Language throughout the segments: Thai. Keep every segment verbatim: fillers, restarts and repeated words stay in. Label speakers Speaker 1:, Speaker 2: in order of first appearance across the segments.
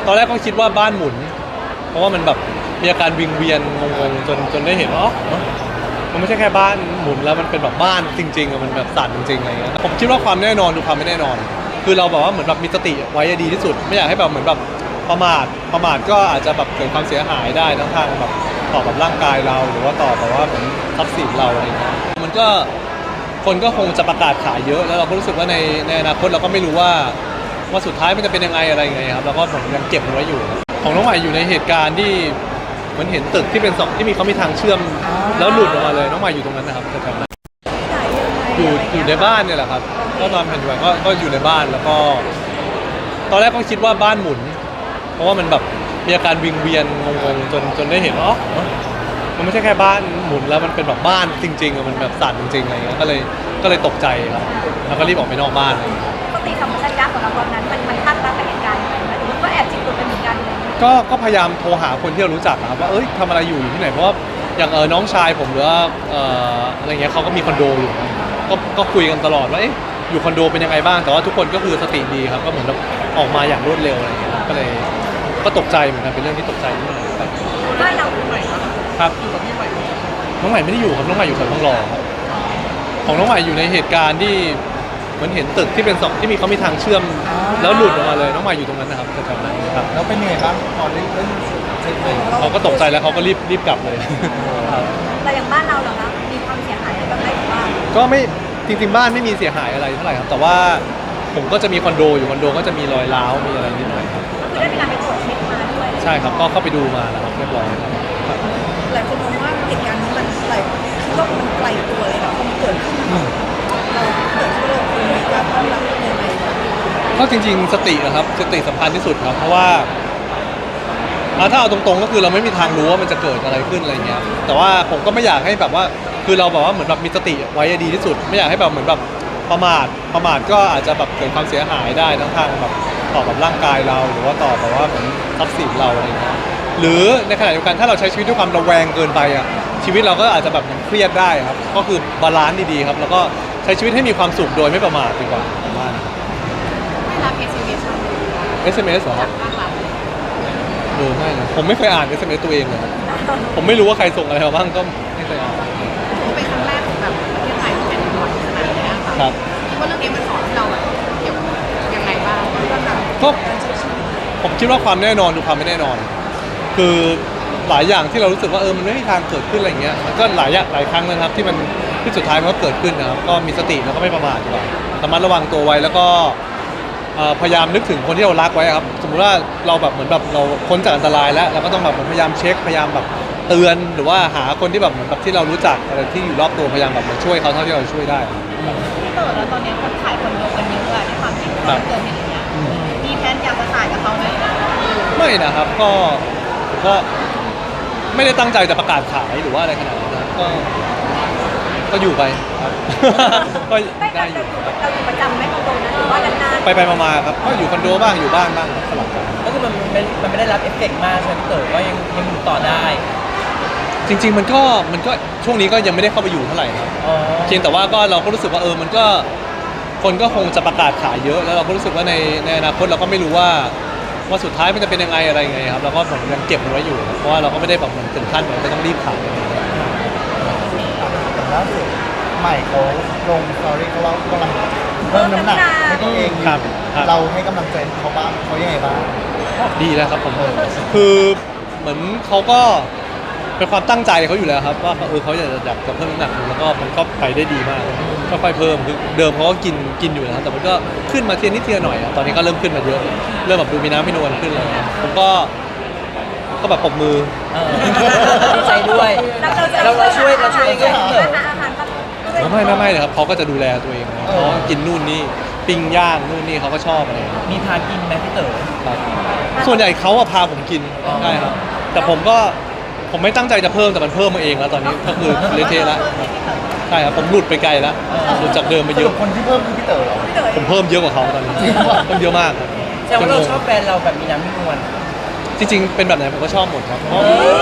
Speaker 1: ตอนแรกก็คิดว่าบ้านหมุนเพราะว่ามันแบบมีอาการวิงเวียนงงๆจนจนได้เห็นว่าอ๋อมันไม่ใช่แค่บ้านหมุนแล้วมันเป็นแบบบ้านจริงๆอะมันแบบสั่นจริงๆอะไรเงี้ยผมคิดว่าความแน่นอนดูความไม่แน่นอนคือเราแบบว่าเหมือนแบบมีสติไว้ดีที่สุดไม่อยากให้แบบเหมือนแบบประมาทประมาทก็อาจจะแบบเกิดความเสียหายได้ทั้งทางแบบต่อแบบร่างกายเราหรือว่าต่อแบบว่าเหมือนทรัพย์สินเราอะไรเงี้ยมันก็คนก็คงจะประกาศขายเยอะแล้วเราก็รู้สึกว่าในในอนาคตเราก็ไม่รู้ว่าว่าสุดท้ายมันจะเป็นยังไงอะไรไงครับแล้วก็ผมยังเก็บมันไว้อยู่ของน้องใหม่อยู่ในเหตุการณ์ที่เหมือนเห็นตึกที่เป็นสองที่มีเขามีทางเชื่อมแล้วหลุดออกมาเลยน้องใหม่อยู่ตรงนั้นนะครับแถวๆนั้นอยู่อยู่ในบ้านเนี่ยแหละครับก็นอนแผ่นดินไหวก็ก็อยู่ในบ้านแล้วก็ตอนแรกก็คิดว่าบ้านหมุนเพราะว่ามันแบบมีอาการวิงเวียนงงๆจนจนได้เห็นว่าอ๋อมันไม่ใช่แค่บ้านหมุนแล้วมันเป็นแบบบ้านจริงๆอะมันแบบสั่นจริงๆอะไรเงี้ยก็เลยก็เลยตกใจครับแล้วก็รีบออกไปนอกบ้านเลย
Speaker 2: ปกติสัมปชัญญะของเราตอนนั้นมันมันคาดการณ์กับเหตุการณ์ไหมหรือว่าก็แอบจิตตกเป็นเหมือนกันเลย
Speaker 1: ก็ก็พยายามโทรหาคนที่เรารู้จักนะครับว่าเอ้ยทำอะไรอยู่อยู่ที่ไหนเพราะว่าอย่างเออน้องชายผมหรือว่าเอ่ออะไรเงี้ยเขาก็มีคอนโดอยู่ก็ก็คุยกันตลอดว่าเอ๊ะอยู่คอนโดเป็นยังไงบ้างแต่ว่าทุกคนก็คือสติดีครับก็เหมือนแบบออกมาอย่างรวดเร็วอะไรเงี้ยก็เลยก็ตกใจเหมือนกันเป็นเรื่องที่ตกใจนิดหน่อยครับ
Speaker 2: บ้านเราใหม่
Speaker 1: ครับอยู่กับพี่ใหม่น้องใหม่ไม่ได้อยู่ครับน้องใหม่อยู่แถวทองหล่อครับของน้องใหม่อยู่ในเหตุการณ์ที่เหมือนเห็นตึกที่เป็นสองที่มีเขามีทางเชื่อมแล้วหลุดออกมาเลยน้องใหม่อยู่ตรงนั้นนะครับแถวๆนั้นครับ
Speaker 3: แล้วเป็นยังไงบ้างตอนเล่นเล่นเซ็ตเลย
Speaker 1: เขาก็ตกใจแล้วเขาก็รีบรีบกลับเลยครับ
Speaker 2: แต่อย่างบ้านเราเหรอคะมีความเสียหายอะไรบ้างไหมหรือว่า
Speaker 1: ก็ไม่จริงๆบ้านไม่มีเสียหายอะไรเท่าไหร่ครับแต่ว่าผมก็จะมีคอนโดอยู่คอนโดก็จะมีรอยร้าวมีอะไรนิดหน่อยครับ
Speaker 2: คือได้มีการไปตรวจเช็คมาด้วย
Speaker 1: ใช่ครับก็เข้าไปดูมาแล้วครับเรียบร้อยครับ
Speaker 4: หลายคนมองว่าเหตุการณ์นี้มันไกลโลกมันไกลตัวเลยค่ะพอมันเกิดขึ้นเราเกิดขึ้นเราควรจะต้องรับยังไงบ้าง
Speaker 1: ก็จริงๆสตินะครับสติสำคัญที่สุดครับเพราะว่าอ่าถ้าเอาตรงๆก็คือเราไม่มีทางรู้ว่ามันจะเกิดอะไรขึ้นอะไรเงี้ยแต่ว่าผมก็ไม่อยากให้แบบว่าคือเราแบบว่าเหมือนแบบมีสติไว้ดีที่สุดไม่อยากให้แบบเหมือนแบบประมาทประมาทก็อาจจะแบบเกิดความเสียหายได้ทั้งทางแบบต่อแบบร่างกายเราหรือว่าต่อแบบว่าเหมือนทรัพย์สินเราอะไรเงี้ยหรือในขณะเดียวกันถ้าเราใช้ชีวิตด้วยความระแวงเกินไปอ่ะชีวิตเราก็อาจจะแบบเครียดได้ครับก็คือบาลานซ์ดีๆครับแล้วก็ใช้ชีวิตให้มีความสุขโดยไม่ประมาทดีกว่าผมว่า
Speaker 2: ไม่รับ เอส เอ็ม เอส
Speaker 1: เอส เอ็ม เอส เหรอครับเออไม่นะผมไม่เคยอ่าน เอส เอ็ม เอส ตัวเองเลยครับผมไม่รู้ว่าใครส่งอะไรมาบ้างก็ไม่เคยอ่าน
Speaker 2: ถือว่าเป็นครั้งแรกของแบบประเทศไทยที่แผ่นดินไหวขนาดนี้ค่ะ
Speaker 1: ครับ
Speaker 2: คิดว่าเรื่องนี้มันสอนให้เราแบบเกี่ยวกับยังไงบ้างก็แบบ
Speaker 1: ก็ผมคิดว่าความแน่นอนดูความไม่แน่นอน คือหลายอย่างที่เรารู้สึกว่าเออมันไม่มีทางเกิดขึ้นอะไรเงี้ยมันก็หลายอย่างหลายครั้งนะครับที่มันที่สุดท้ายมันก็เกิดขึ้นนะครับก็มีสติแล้วก็ไม่ประมาทดีกว่าระมัดระวังตัวไว้แล้วก็เอ่อพยายามนึกถึงคนที่เรารักไว้ครับสมมุติว่าเราแบบเหมือนแบบเราพ้นจากอันตรายแล้วเราก็ต้องแบบพยายามเช็คพยายามแบบเตือนหรือว่าหาคนที่แบบเหมือนแบบที่เรารู้จักอะไรที่อยู่รอบตัวพยายามแบบมาช่วยเขาเท่าที่เราช่วยได้
Speaker 2: พี่เต๋อแล้วตอนนี้คนขายคอนโดกันเยอะอะในความที่เกิดเหตุอย่างเงี้ยมีแผนอยากจะขายกับเขาไหม
Speaker 1: ไม่นะครับก็ผมก็ไม่ได้ตั้งใจจะประกาศขายหรือว่าอะไรขนาดนั้นนะก็ก็อยู่ไปครับ ก็
Speaker 2: ไม่
Speaker 1: ได้
Speaker 2: เรา
Speaker 1: อ
Speaker 2: อยู่
Speaker 1: ยู่
Speaker 2: เราอยู่ประจำไหมคอนโดนั้นหรือว่านาน
Speaker 1: ไปไปมาๆครับก็อยู่คอนโดบ้างอยู่บ้านบ้างสลับกัน
Speaker 3: ก็คือมันไม่มันไม่ได้รับเอฟเฟกต์มากใช่ไหมพี่เต๋อว่ายังยังอยู่ต่อได้
Speaker 1: จริง ๆ มันก็มันก็ช่วงนี้ก็ยังไม่ได้เข้าไปอยู่เท่าไหร่ครับ
Speaker 3: อ๋อ
Speaker 1: เพียงแต่ว่าก็เราก็รู้สึกว่าเออมันก็คนก็คงจะประกาศขายเยอะแล้วเราก็รู้สึกว่าในในอนาคตเราก็ไม่รู้ว่าว่าสุดท้ายมันจะเป็นยังไงอะไรยังไงครับแล้วก็ผมยังเก็บมันไว้อยู่เพราะว่าเราก็ไม่ได้แบบเหมือนถึงขั้นแบบจะต้องรีบขายอะไรอย่างเงี้ย
Speaker 5: แต่ล่าสุดใหม่เขาลงสตอรี่เขาว่ากำลังเพิ่มน้ำหนักให้ตัวเองอยู่
Speaker 1: ครับครับ
Speaker 5: เราให้กำลังใจเขาบ้างเขายังไงบ้าง
Speaker 1: ดีแล้วครับผมคือเหมือนเขาก็เป็นความตั้งใจเขาอยู่แล้วครับว่าเออเขาอยากจะอยากจะเพิ่มน้ำหนักแล้วก็มันก็ไปได้ดีมากค่อยๆเพิ่มคือเดิมเขาก็กินกินอยู่แล้วแต่มันก็ขึ้นมาเทียนิดเทียหน่อยอะตอนนี้ก็เริ่มขึ้นมาเยอะเริ่มแบบดูมีน้ำมีนวลขึ้นเลยผมก็ก็แบบปรบมือ
Speaker 3: เออดีใจด้วย
Speaker 2: ๆ
Speaker 3: เราเราช่วยเราช่วยยังไงพี่เต๋อ
Speaker 2: อาหารอาหารก็
Speaker 1: ไม่ไม่ไม่เลยครับเขาก็จะดูแลตัวเองนะเขากินนู่นนี่ปิ้งย่างนู่นนี่เขาก็ชอบอะไรอย่างเงี้ย
Speaker 3: มีทานกินไหมพี่เต๋อ
Speaker 1: ครับส่วนใหญ่เขาอะพาผมกิน
Speaker 3: อ๋อ
Speaker 1: ใช่ครับแต่ผมก็ผมไม่ตั้งใจจะเพิ่มแต่มันเพิ่มมาเองแล้วตอนนี้ก็คือเละเทะแล้วใช่ครับผมหลุดไปไกลแล้วหลุดจากเดิมไป
Speaker 5: ส
Speaker 1: เย
Speaker 5: รุ
Speaker 1: อะ
Speaker 5: ปคนที่เพิ่มคือพี่เต๋อเหรอ
Speaker 1: ผมเพิ่มเยอะกว่าเขาตอนนี้
Speaker 5: จริงเหรอ
Speaker 1: เพิ่มเยอะมากครับ
Speaker 3: แสดงว่าเราชอบแบรนด์เราแบบมีน้ำมีนวล
Speaker 1: จริงๆเป็นแบบไหนผมก็ชอบหมดครับเพราะ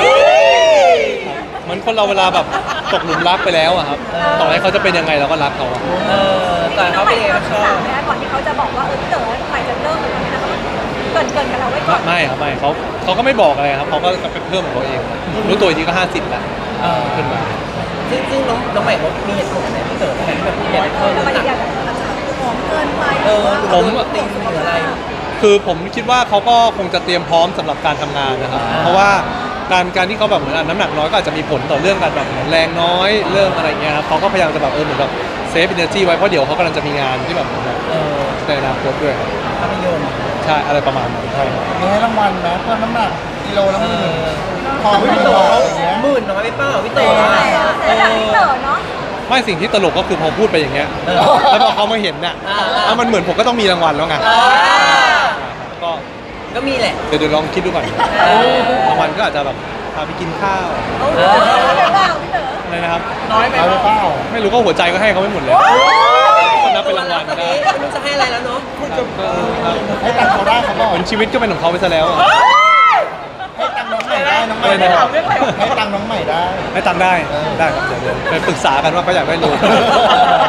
Speaker 1: เหมือนคนเราเวลาแบบตกหลุมรักไปแล้วอะครับต่อให้เขาจะเป็นยังไงเราก็รักเขาอะ
Speaker 3: เออแต่เขาเป็นเองก็ชอบ
Speaker 2: ก่อนที่เขาจะบอกว่าเออพี่เต๋อใหม่จะเลิกหรืออะไรนะเกินเกินกันเราไว้ก่อน
Speaker 1: ไม่ครับไม่เขาเขาก็ไม่บอกอะไรครับเขาก็ไปเพิ่มของเขาเองรู้ตัวอีกทีก็ห้าสิบแล้ว
Speaker 3: เออ
Speaker 1: ขึ้นมา
Speaker 3: ซึ่งซึ่งน้องน้องใหม่เขามีเหตุผลไหนพี่เต๋อทำไมที่แบบอยากให้เพิ่ม
Speaker 2: ทำไม
Speaker 3: น้ำหนัก
Speaker 2: อยากจะ
Speaker 4: อาจจะหอมเกินไป
Speaker 3: เออ
Speaker 1: ผม
Speaker 3: ติงหรืออะไร
Speaker 1: คือผมคิดว่าเขาก็คงจะเตรียมพร้อมสำหรับการทำงานนะครับ
Speaker 3: อ่า
Speaker 1: เพราะว่าการการที่เขาแบบเหมือนน้ำหนักน้อยก็อาจจะมีผลต่อเรื่องการแบบเหมือนแรงน้อยเรื่องอะไรเงี้ยครับเขาก็พยายามจะแบบเออเหมือนแบบเซฟอินเนอร์จีไว้เพราะเดี๋ยวเขากำลังจะมีงานที่แบบเหมือนแบบ
Speaker 3: เออ
Speaker 1: ในอนาคตด้วยครับ
Speaker 3: ภาพยนตร์
Speaker 1: ใช่อะไรประมาณนั้นใช่ครับ
Speaker 5: มีให้รางวัลนะเพิ่มน้ำหนักกิโลละห
Speaker 3: เอ
Speaker 5: มื่น
Speaker 3: อ
Speaker 5: ทองไม่
Speaker 3: พี่
Speaker 5: มี
Speaker 3: เต๋
Speaker 5: บา
Speaker 3: อ
Speaker 5: ทอย่างเงี้ย
Speaker 3: หมื่นน้อยไปเปล่าพี่เต๋อ
Speaker 2: เสียดายพี่เต๋อเนาะ
Speaker 1: ไม่สิ่งที่ตลกก็คือพอพูดไปอย่างเงี้ย
Speaker 3: เออ
Speaker 1: แล้วพอเขามาเห็นน่ะ
Speaker 3: อ่า
Speaker 1: เอามันเหมือนผมก็ต้องมีรางวัลแล้วไง
Speaker 3: อ่า
Speaker 1: ก็
Speaker 3: ก็มีแหละ
Speaker 1: เดี๋ยวเดี๋ยวลองคิดดูก่อน
Speaker 3: เออ
Speaker 1: รางวัลก็อาจจะแบบพาไปกินข้าว
Speaker 2: โอ้โหอะไรบ้างพี่เต๋อ
Speaker 1: อะไรนะครับ
Speaker 3: น้อยไป
Speaker 5: เอาไป
Speaker 3: เป
Speaker 5: เป
Speaker 3: ล่า
Speaker 5: ล่า
Speaker 1: ไม่รู้ก็หัวใจก็ให้เขาไม่หมดเลยก็นับเป็นรางวัล
Speaker 3: ตอน
Speaker 1: ได้
Speaker 3: นี้ไม่รู้จะให้อะไรแล้วเนาะ
Speaker 5: ให้ตังค์เขาได้เขาบอก
Speaker 1: เหมือนชีวิตก็เป็นของเขาไปซะแล้วอะ
Speaker 5: ให้ตังค์น้องใหม่ได้น้องใหม่
Speaker 1: อะไร
Speaker 5: ได้
Speaker 1: นะครับ
Speaker 5: ให้ตังค์น้องใหม่ได้
Speaker 1: ให้ตังค์ได้ได้ครับเดี๋ยวเดี๋ยวไปปรึกษากันว่าเขาอยากได้รูป